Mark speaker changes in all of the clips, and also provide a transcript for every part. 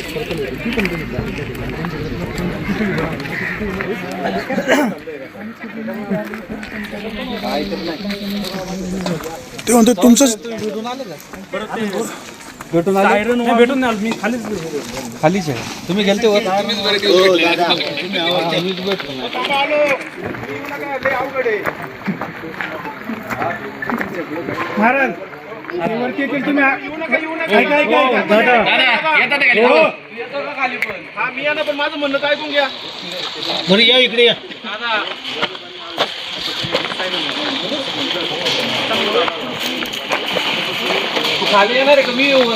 Speaker 1: ते म्हणतो तुमचं
Speaker 2: भेटून आलो मी खालीच आहे. तुम्ही गेलते वर
Speaker 1: महाराज वरती येतील तुम्ही
Speaker 3: मी या ना, पण माझं म्हणणं काय ऐकून घ्या.
Speaker 1: बरं या इकडे या.
Speaker 3: तू खाली येणार आहे का? मी येऊ वर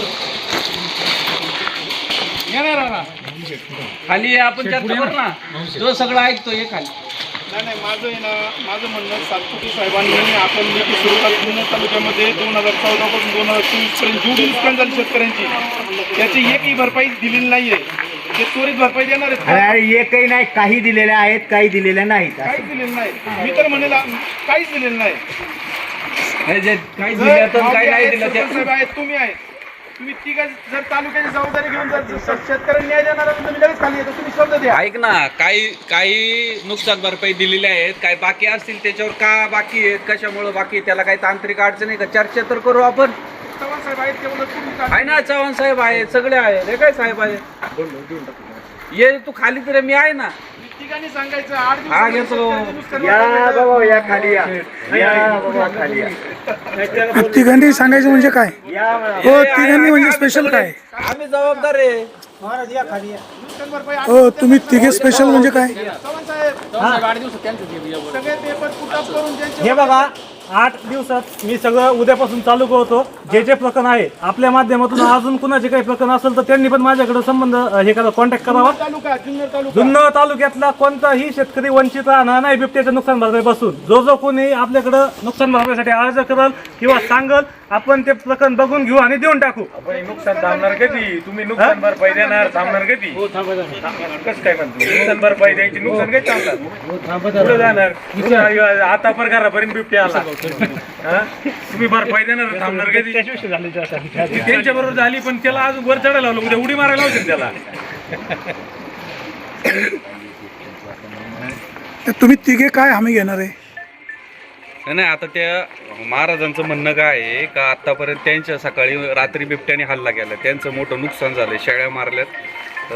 Speaker 3: येणार ना. खाली ये, आपण चर्चा करू ना. तो सगळं ऐकतो ये खाली. नाही माझं आहे ना, माझं म्हणणं सातपुते साहेबांनी आपण नीती सुरू जुन्नर तालुक्यामध्ये 2014 पासून 2024 पर्यंत जेवढी नुकसान झाली शेतकऱ्यांची त्याची एकही भरपाई दिलेली नाहीये. ते त्वरित भरपाई देणार आहेत.
Speaker 2: एकही नाही, काही दिलेल्या आहेत, काही दिलेल्या नाहीत.
Speaker 3: काहीच दिलेलं नाही. मी तर म्हणेल काहीच दिलेलं नाही.
Speaker 2: काही दिलं तर काही नाही दिलं.
Speaker 3: साहेब आहेत, तुम्ही आहेत, तुम्ही तिघा जर तालुक्याची जबाबदारी घेऊन जर शेतकऱ्यांना न्याय देणार असेल तर मी लगेच खाली येतो. तुम्ही शब्द द्या.
Speaker 4: ऐक ना, काही नुकसान भरपाई दिलेली आहेत, काय बाकी असतील त्याच्यावर का बाकी आहेत, कशामुळे बाकी आहे, त्याला काही तांत्रिक अडचण आहे का? चर्चा तर करू आपण.
Speaker 3: चव्हाण साहेब आहेत तेवढं तुम्ही
Speaker 4: आहे ना, चव्हाण साहेब आहेत, सगळे आहेत. हे काय साहेब आहे, ये तू खाली तर मी आहे ना.
Speaker 3: ठिकाणी सांगायचं 8
Speaker 4: हा
Speaker 3: दिवस
Speaker 4: घेतो.
Speaker 2: या खाली या खाली या.
Speaker 1: तिघांनी सांगायचं म्हणजे काय? हो तिघांनी म्हणजे स्पेशल काय?
Speaker 4: आम्ही जबाबदार आहे.
Speaker 3: नुकसान भरपाई
Speaker 1: हो तुम्ही तिघे स्पेशल म्हणजे काय?
Speaker 3: चव्हाण साहेब 8 दिवसात सगळे पेपर पुटअप करून ज्यांचे
Speaker 5: हे बघा 8 दिवसात मी सगळं उद्यापासून चालू करतो. जे जे प्रकरण आहे आपल्या माध्यमातून अजून कुणाचे काही प्रकरण असेल तर त्यांनी पण माझ्याकडे संबंध हे करा, कॉन्टॅक्ट करावा.
Speaker 3: तालुका जुन्नर
Speaker 5: जुन्नर तालुक्यातला कोणताही शेतकरी वंचित राहणार नाही बिबट्याच्या नुकसान भरपाई बसून. जो जो कोणी आपल्याकडं नुकसान भरपाईसाठी अर्ज करल किंवा सांगल आपण ते प्रकरण बघून घेऊ आणि देऊन टाकू.
Speaker 2: नुकसान थांबणार कधी? तुम्ही नुकसान भरपाई देणार, थांबणार कधी? कसं काय म्हणतो? नुकसान भरपाई द्यायची, नुकसान काही थांबणार पुढे जाणार. आता पगारापर्यंत बिबट्या आला, तुम्ही भरपाई देणार, थांबणार कधी? त्यांच्या बरोबर झाली पण त्याला आज वर चढायला लावलं, उद्या उडी मारायला लावतील त्याला.
Speaker 1: तर तुम्ही तिघे काय हमी घेणार आहे?
Speaker 4: नाही आता त्या महाराजांचं म्हणणं काय आहे का आतापर्यंत त्यांच्या सकाळी रात्री बिबट्याने हल्ला केला, त्यांचं मोठं नुकसान झालं. शेळ्या मारल्यात,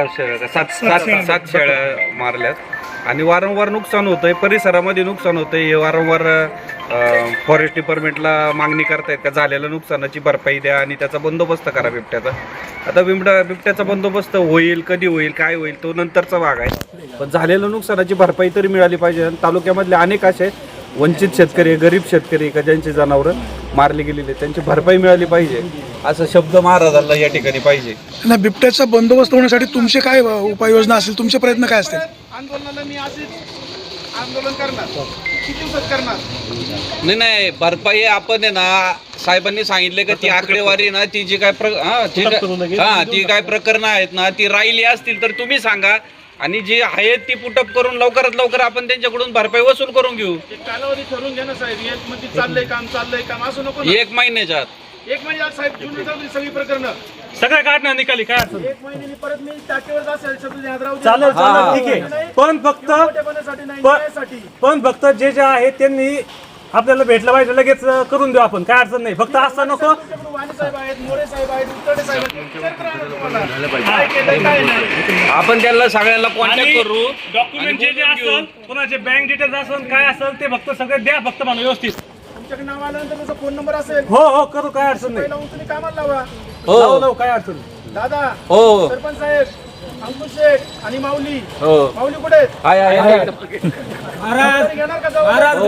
Speaker 4: 7 शेळ्या मारल्यात आणि वारंवार नुकसान होतंय, परिसरामध्ये नुकसान होतंय. हे वारंवार फॉरेस्ट डिपार्टमेंटला मागणी करतायत का झालेल्या नुकसानाची भरपाई द्या आणि त्याचा बंदोबस्त करा बिबट्याचा. आता बिबट्याचा बंदोबस्त होईल, कधी होईल, काय होईल तो नंतरचा भाग आहे, पण झालेल्या नुकसानाची भरपाई तरी मिळाली पाहिजे. तालुक्यामधले अनेक असे वंचित शेतकरी, गरीब शेतकरी का ज्यांची जनावरं मारली गेलेली त्यांची भरपाई मिळाली पाहिजे, असा शब्द महाराजांना या ठिकाणी पाहिजे.
Speaker 1: ना बिबट्याचा बंदोबस्त होण्यासाठी तुमचे काय उपाययोजना असतील, तुमचे प्रयत्न काय असतील?
Speaker 3: आंदोलनाला मी असेच आंदोलन करणार. किती दिवसात करणार?
Speaker 4: नाही भरपाई आपण आहे ना, साहेबांनी सांगितले का ती आकडेवारी ना ती जी काय ती काय प्रकरणं आहेत ना ती राहिली असतील तर तुम्ही सांगा आणि जी आहेत ती पुटअप करून लवकरात लवकर आपण त्यांच्याकडून भरपाई वसूल करून घेऊ.
Speaker 3: कालावधी ठरवून घ्या ना साहेब. एक मध्ये चाललंय काम असं नको ना.
Speaker 4: 1 महिन्याच्या आत.
Speaker 3: 1 महिन्यात साहेब जुन्नर तालुक्यातली सगळी प्रकरणं
Speaker 5: सगळं काढणार निकाली काय असेल
Speaker 3: 1 महिन्यानी परत मी टाकेवर असेल शब्द ध्यानात राहू दे.
Speaker 5: चालेल ठीक आहे. पण फक्त जे जे आहे त्यांनी आपल्याला भेटलं पाहिजे लगेच करून देऊ आपण, काय अडचण नाही. फक्त असं नको
Speaker 3: वाणी साहेब आहेत, मोरे साहेब आहेत, उतरडे साहेब आहेत, काय केलंय काय नाही.
Speaker 4: आपण त्यांना सगळ्यांना कॉन्टॅक्ट करू.
Speaker 5: डॉक्युमेंट जे जे असेल, कोणाचे बँक डिटेल्स असेल, काय असेल ते फक्त सगळे द्या फक्त मला व्यवस्थित.
Speaker 3: तुमच्याकडे नाव आल्यानंतर त्याचा फोन नंबर असेल,
Speaker 5: हो करू, काय अडचण नाही.
Speaker 3: लावून तुम्ही कामाला लावा.
Speaker 5: लावू काय अडचण नाही.
Speaker 3: दादा,
Speaker 4: हो
Speaker 3: सरपंच साहेब, अंकुश शेठ आणि माऊली.
Speaker 4: हो
Speaker 3: माऊली कुठे आहेत? घेणार का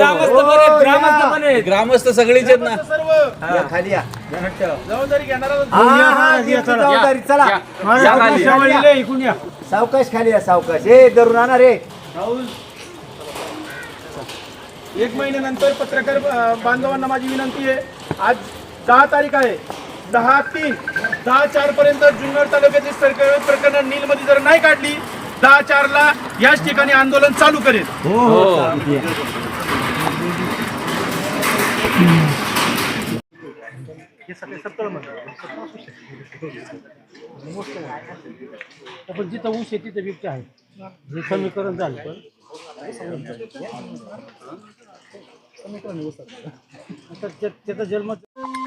Speaker 4: ग्रामस्थ सगळीच आहेत ना.
Speaker 3: सर्व
Speaker 2: खाली या.
Speaker 3: जबाबदारी घेणार
Speaker 2: जबाबदारी चला
Speaker 5: इकडून या.
Speaker 2: सावकाश खाली या, सावकाश. हे धरून आणा रे.
Speaker 3: 1 महिन्यानंतर पत्रकार बांधवांना माझी विनंती आहे. आज 10 तारीख आहे. 10/3, 10/4 पर्यंत जुन्नर तालुक्यातील सरकारी प्रकरण नीलमध्ये जर नाही काढली 10/4ला याच ठिकाणी आंदोलन चालू करेल.
Speaker 5: हे सगळे 70 म्हणतात
Speaker 6: पण जिथं ऊस आहे तिथं बिबट्या आहे हे समीकरण झालं पण आता त्याचा जन्म